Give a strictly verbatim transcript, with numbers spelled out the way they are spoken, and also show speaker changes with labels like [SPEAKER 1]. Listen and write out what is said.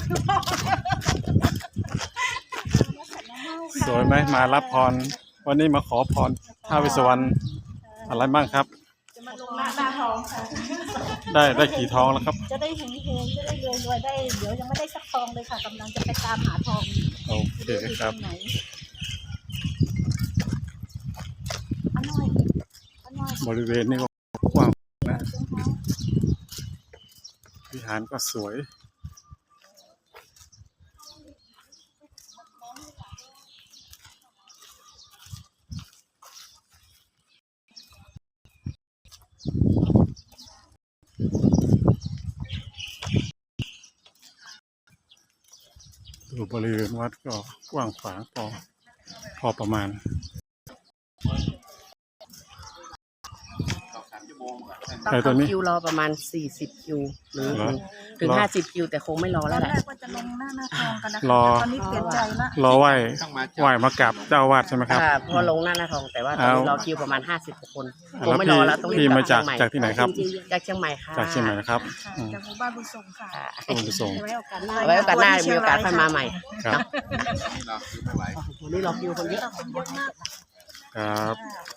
[SPEAKER 1] สวยไหมมารับพรวันนี้มาขอพรท้าวเวสสุวรรณอะไรบ้างครับ
[SPEAKER 2] จะมาลงหน้าหน้าทองค่ะ
[SPEAKER 1] ได้ได้กี่ทองแล้วครับ
[SPEAKER 2] จะได้เฮงเฮงจะได้รวยรวยได้เดี๋ยวยังไม่ได้สักทองเลยค่ะกำลังจะไปตามหาทอง
[SPEAKER 1] โอเคครับบริเวณนี้ก็กว้างนะวิหารก็สวยดูบริเวณวัดก็กว้างขวางพอพอประมาณ
[SPEAKER 3] ต้องเข้าคิวรอประมาณสี่สิบคิวหรือถึงห้าสิบคิวแต่คงไม่รอแล้วแหละ
[SPEAKER 2] ตอนแรกว่าจะลงหน้าหน้าทองกันนะคะตอนนี้เปลี่ยนใจละ
[SPEAKER 1] รอไหว้ไหว้มากับเจ้าวาดใช่ไหมครับ
[SPEAKER 3] พอลงหน้าหน้าทองแต่ว่าตอนนี้รอคิวประมาณห้าสิบคนคงไม่รอแล้วต้องรีบ
[SPEAKER 1] พี่
[SPEAKER 3] กลั
[SPEAKER 1] มา
[SPEAKER 3] บ
[SPEAKER 1] จาก
[SPEAKER 3] เชียงใหม่
[SPEAKER 1] จากที่ไหนครับ
[SPEAKER 3] จากเชียงใหม่ค่ะ
[SPEAKER 1] จากเชียงใหม่นะครับ
[SPEAKER 2] จากหมู่บ้านบุญส่งค่ะ
[SPEAKER 1] ต้องไปส่ง
[SPEAKER 2] ไว้โอกาสหน้า
[SPEAKER 3] ไว้โอกาสหน้ามีโอกาสค่อยมาใหม่
[SPEAKER 1] ครับ
[SPEAKER 3] วันนี้รอคิวคนเยอะ
[SPEAKER 1] ครับ